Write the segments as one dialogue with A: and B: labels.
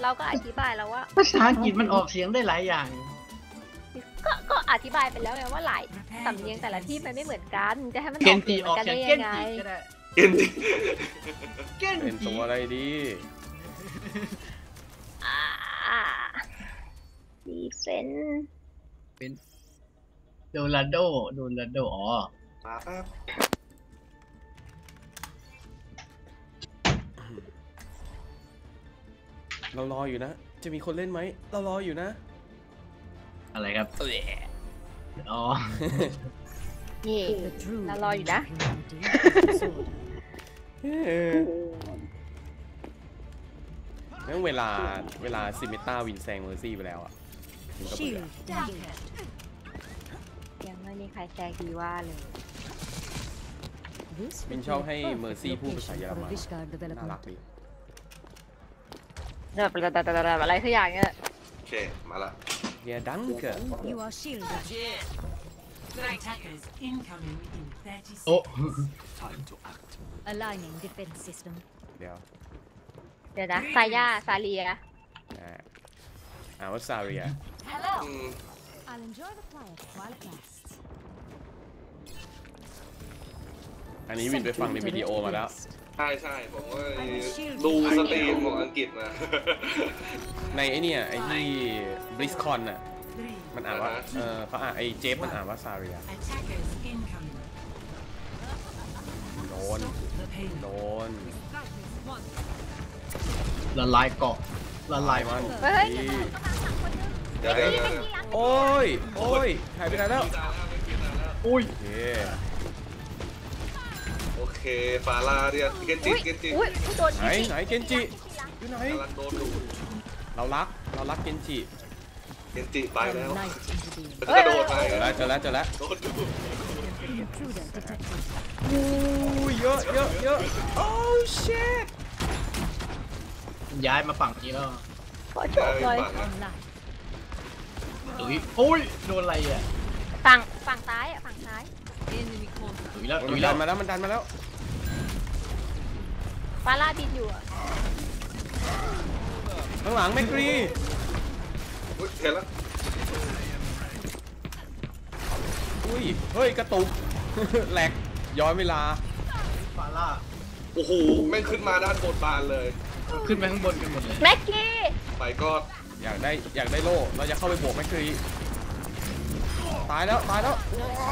A: เราก็อธิบายแล้วว่า
B: ภาษาอังกฤษมันออกเสียงได้หลายอย่าง
A: ก็อธิบายไปแล้วไงว่าหลายสำเนียงแต่ละที่มันไม่เหมือนกันจะให้มันอ
B: เก
A: อก
B: น
A: เสี
B: จิ
A: ยงเห
B: อ
A: มือ
B: อก
A: นกัน
B: เสียง
A: ได้
B: เก
A: ยั
B: น
A: งไง
B: จิก็ได้
C: เก่งดิ
B: เกน
D: เป็น
B: จิ
D: ตัวอะไรดี
A: ดีเฟน
B: เป็นโดราโดอ๋อ
C: มาแป๊บ
D: เรารออยู่นะ จะมีคนเล่นไหมเรารออยู่นะ
B: อะไรครับอ๋อ
A: นี่เรารออยู่นะ
D: งั้นเวลาซิมิต้าวินแซงเมอร์ซี่ไปแล้วอ่ะมันก็เบื่อ
A: ยังไม่มีใครแซงดีว่าเลย
D: วินชอบให้เมอร์ซี่พูดภาษาเยอรมันน่ารักดี
A: อะไรสักอย่างเนี่ย
C: โอเคมาละ
D: เฮียดังเกอร์
E: You are shielded. Attackers incoming in 30
B: โอ้
E: Aligning defense system.
D: เดี๋ยว
A: เดี๋ยวนะซาเลีย
D: ว่าซาเรีย
C: อืม
E: I'll enjoy the quiet while it lasts.
D: อันนี้วินไปฟังในวิดีโอมาแล้ว
C: ใช่ผมก็ดูสตรีมของอังกฤษมา
D: ในไอเนี่ยไอที่บริสคอนน่ะมันอ่านว่าเขาอ่านไอเจฟมันอ่านว่าซาเรีย
E: Attackers incoming.
D: โดน
E: The pain.
D: โดน
B: ละลายเกาะละลาย
D: มัน
A: เฮ้ย
D: ดี
C: เดี๋ยว
D: โอ้ยหายไปไหนแล้ว
B: อุ้ย
D: โอเค
C: โอเคฟาร่าเรียกเกนจิ
A: อุ้ยโดน
D: ไหนเกนจิอยู่ไหน
C: กำลังโดนดู
D: เรารักเกนจิ
C: เกนจิไปแล้ว
E: Night intervene.
C: มันกระโดดไป
D: เจอแล้ว
C: โดนดู
E: Intruder detected.
D: อู้เยอะโอ้ชิต
B: ย้ายมาฝั่งนี้แล้ว
A: ขอโชว์เลย
E: Online.
B: อุ้ยโดนอะไรอ่ะ
A: ฝั่งซ้ายอ่ะฝั่งซ้าย
E: Enemy contact.
B: ตุ๋ยแล้ว
D: มันดันมาแล้ว
A: ฟาร่าบินอยู่อ่ะ
D: ข้างหลังแมกรี
C: เห็นแล้ว
D: อุ้ยเฮ้ยกระตุก แหลกย้อนเวลา
B: ฟาร่า
C: โอ้โหแม่งขึ้นมาด้านบนบานเลย
B: ขึ้นไปข้างบนกันหมดเลย
A: แม็กกี้
C: ไปก็
D: อยากได้โล่เราจะเข้าไปบวกแมกรีตายแล้วว้าว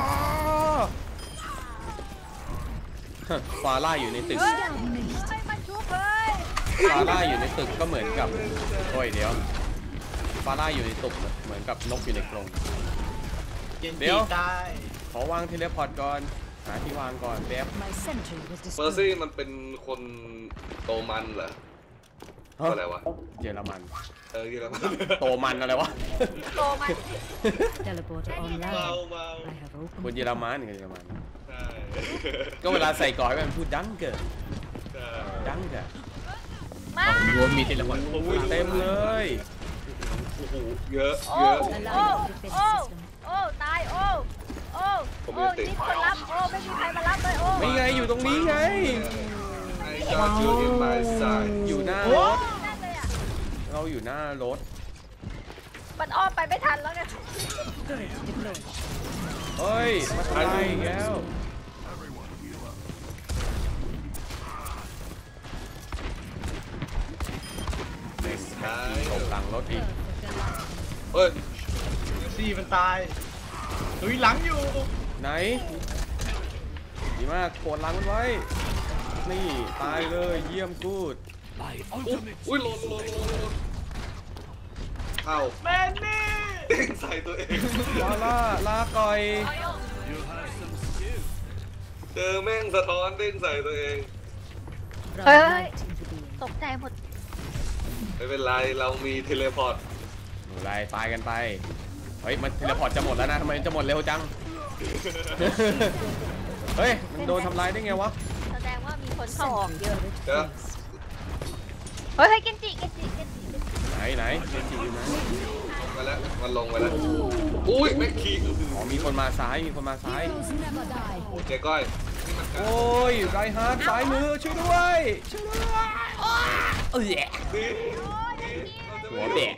D: ฟาร่าอยู่ในตึก
A: ไม่มาชุบเลย
D: ฟาร่าอยู่ในตึกก็เหมือนกับโอ้ยเดี๋ยวฟาร่าอยู่ในตึกเหมือนกับนกอยู่ในกรง
B: เกน
D: เดี๋
B: จิ
D: ยว
B: ตาย
D: ขอวางเทเลพอร์ตก่อนหาที่วางก่อนแป๊บ
E: My sentry was
C: เมอร์ซี่
E: destroyed.
C: มันเป็นคนโตมันเหรออะไรวะ
D: เยอรมัน
C: เยอรมัน
D: โตมันอะไรวะ
A: โตมา
E: Teleporter
C: เมา
E: online.
C: เมา
E: I have
D: คน
E: opened.
D: เยอรมันเยอรมัน
C: ใช่
D: ก็เวลาใส่ก่อนให้มันพูดดังเกิด
C: ใช่
D: ดังเกิด
A: มา
B: รวมมีเทเลพอร์ต
D: อุ้ยเต็มเลย
C: โอ้โหเยอะ
A: โอ้
C: เยอะ
E: Aligning defense system.
A: โอ้ตายโอ้นี่คนรับไม่มีใครมารับเลย
D: ไม่ไงอยู่ตรงนี้ไง
C: ไอ้จอร์จูอินไมซ์ไซ
D: อยู่หน้ารถ
A: นั่นเลยอ่ะ
D: เราอยู่หน้ารถ
A: มันอ้อมไปไม่ทันแล้วไง
E: Deployed.
D: เฮ้ยมาทำอะไรอีกแล้ว
C: ใช่
D: ตกหลังรถอีก
C: เฮ้ย
B: ซี่มันตายตุ๋ยหลังอยู่
D: ไหนดีมากโกดหลังมันไว้นี่ตายเลยเยี่ยมกูด
C: อุ้ยหล่นเอ้า
B: แมนนี่
C: เด้งใส่ตัวเอง
D: วาล่าลาก่อย
C: เจอแม่งสะท้อนเด้งใส่ตัวเอง
E: From
A: Hey,
E: night intervene.
A: ตกใจหมด
C: ไม่เป็นไรเรามีเทเลพอร์ต
D: อะไรตายกันไปเฮ้ยมันเทเลพอร์ตจะหมดแล้วนะทำไมจะหมดเร็วจัง เฮ้ยมันโดนทำลายได้ไงวะ
A: แสดงว่ามีคนเข้าออกเยอะ
C: เดี๋ยว
A: เฮ้ยเกนจิ
D: ไหนเจนจีอยู่ไหน
C: มาแล้วมันลงไปแล้วอุ้ยแม่งขี่
D: อ๋อมีคนมาซ้าย
E: Heroes never die.
C: โอ้เจ๊ก้อยนี่มัน
D: โอ้ยไรฮาร์ดซ้ายมือช่วยด้วยเอ้ย
C: ดี
A: โอ้ย
D: หัวแบะ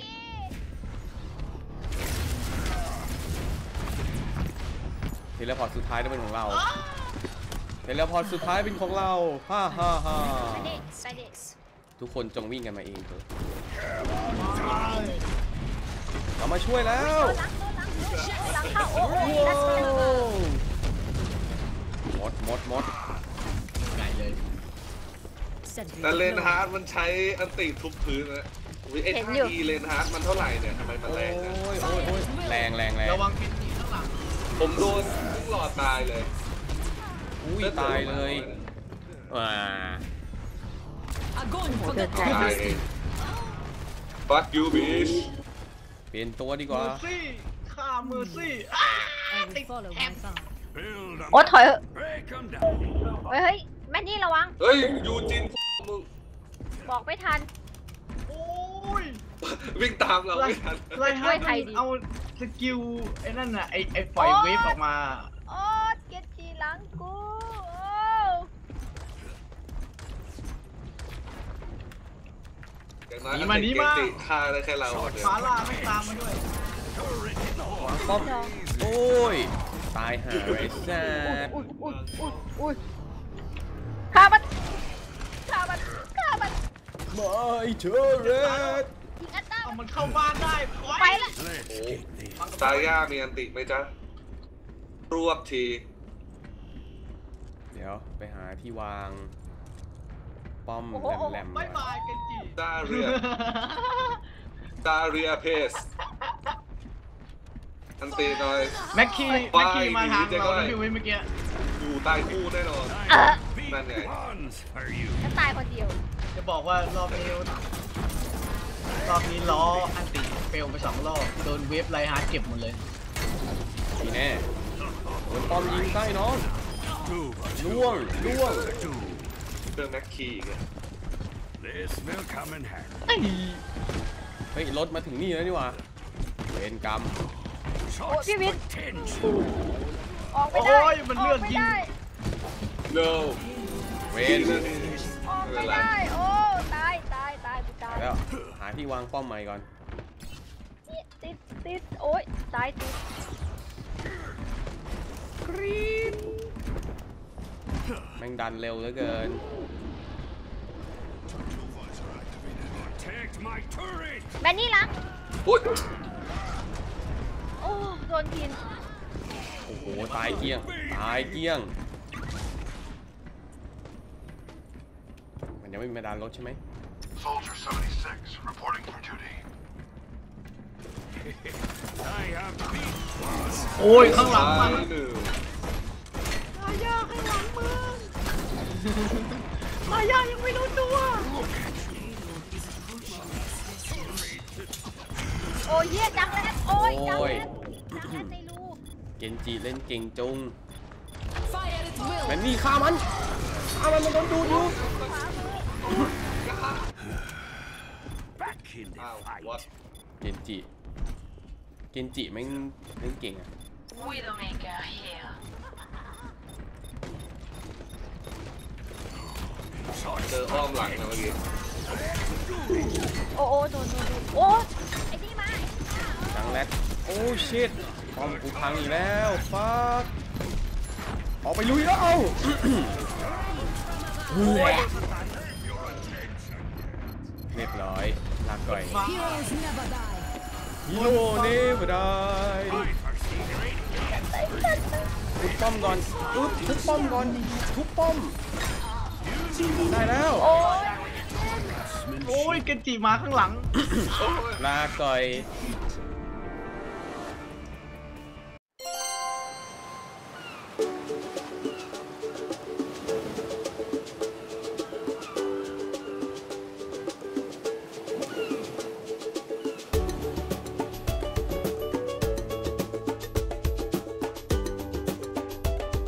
D: เทเลพอร์ตสุดท้ายต้องเป็นของเราเทเลพอร์ตสุดท้ายเป็นของเราฮ่าฮ่าฮ่า
A: ไปดิไปดิ
D: ทุกคนจงวิ่งกันมาเองเถอะเรามาช่วยแล้ว
A: หลังเข้าโอ้โหนัดเจอ
D: หมด
B: ไก่เลย
C: แต่เลนฮาร์ดมันใช้อันติทุบพื้นนะวิไอ้ท่าอีเลนฮาร์ดมันเท่าไหร่เนี่ยทำไมมันแรงนะ
D: โอ้ยแรง
B: ระวังกินจีข้างหลัง
C: ผมโดนทุกหลอดตายเลย
D: อุ้ยตายเลยว้า
E: Agony for the
C: ตาย
E: Tigers.
C: เอง Fuck you bitch
D: เปลี่ยนตัวดีก
B: เม
D: ว่า
B: อร์ซี่ฆ่าเมอร์ซี่
E: I will follow my path.
A: โอ้ถอยเถอะเฮ้ยแม่นี่ระวัง
C: เฮ้ยยูจินมึง
A: บอกไม่ทัน
B: โอ้ย
C: วิ่งตามเราไม่ทัน
B: ไรฮะ
A: ช่วยไทยดิ
B: เอาสกิลไอ้นั่นน่ะไอ้ปล่อยเวฟออกมา
A: โอ้เกยรติหลังกูโอ้
C: อย่างน้อยอันติเกมติฆ่าได้แค่เราเดียว
B: ฟาร่าไม่ตามมาด้วย
D: ป้อมโอ้ยตายหาไอ้แซ่บ
A: อุ้ยฆ่ามันไม่เชอร์เรดยิงอัตตา
B: เอามันเข้าบ้านได้ปล่อย
A: ไปละ
C: โอ้ตาย่ามีอันติไหมจ๊ะรวบที
D: เดี๋ยวไปหาที่วางป้อมแหลมๆ
B: บายบายกันจี
C: ดาเรียเพสอันตีหน่อย
B: แม็กกี้มาทางเราแล้วพี่วิเมื่อกี้
C: อยู่ตายคู่แน่นอน นั่นไง
A: จะตายคนเดียว
B: จะบอกว่ารอบนี้ล้ออันติเฟลไป2 รอบโดนเวฟไลฮาร์ดเก็บหมดเลย
D: ทีแน่โดนป้อมยิงใต้น้องล่วง
C: เครื่องแม็กคีอีกอะ
F: This will come in handy.
D: เฮ้ยรถมาถึงนี่แล้วนี่หว่าเวรกรรม
F: Shots
A: Give it.
F: potential.
A: ออกไม่ได้
B: โอ้ยมันเลือกยิง
C: no
D: เวร
A: ออกไม่ได้โอ้ตายกูตาย
D: แล้วหาที่วางป้อมใหม่ก่อน
A: ติดโอ้ยตายติด
D: แม่งดันเร็วเหลือเกิน
F: Protect my turret.
A: แมนนี่หลัง
C: อุ๊ย
A: โอ้โดนกิน
D: โอ้โหตายเกลี้ยงมันยังไม่มีมาดันรถใช่ไหม
F: Soldier 76 reporting for duty. I have beat boss.
B: โอ้ยข้างหลังมัน
C: ตายหนึ่ง
B: ตายาข้างหลังมึงตายายังไม่รู้ตัว
A: โอ้ยเหี้ยจังแล้วโอ้ยจังแล้วในรู
D: เกนจิเล่นเก่งจุง
E: Fire at will.
D: แมนนี่ฆ่ามันโดนดูดอยู่
F: Back in the
C: อ้าว
F: fight.
C: what
D: เกนจิแม่งเล่นเก่งอะ
E: Widowmaker here.
C: เจออ้อมหลังนะเมื่อกี้
A: โอ้โดนโอ้ไอ้นี่มา
D: จังแรดโอ้ชิตป้อมกูพังอีกแล้วฟักออกไปลุยแล้วเอาเรียบร้อยลาก่อย
E: Heroes never die.
D: ฮีโร่เนฟได้ ทุบป้อมก่อนทุบป้อมก่อนทุบป้อมได้แล้ว
A: โอ้ย
B: โอ้ยเกนจิมาข้างหลัง
D: ลาก่อย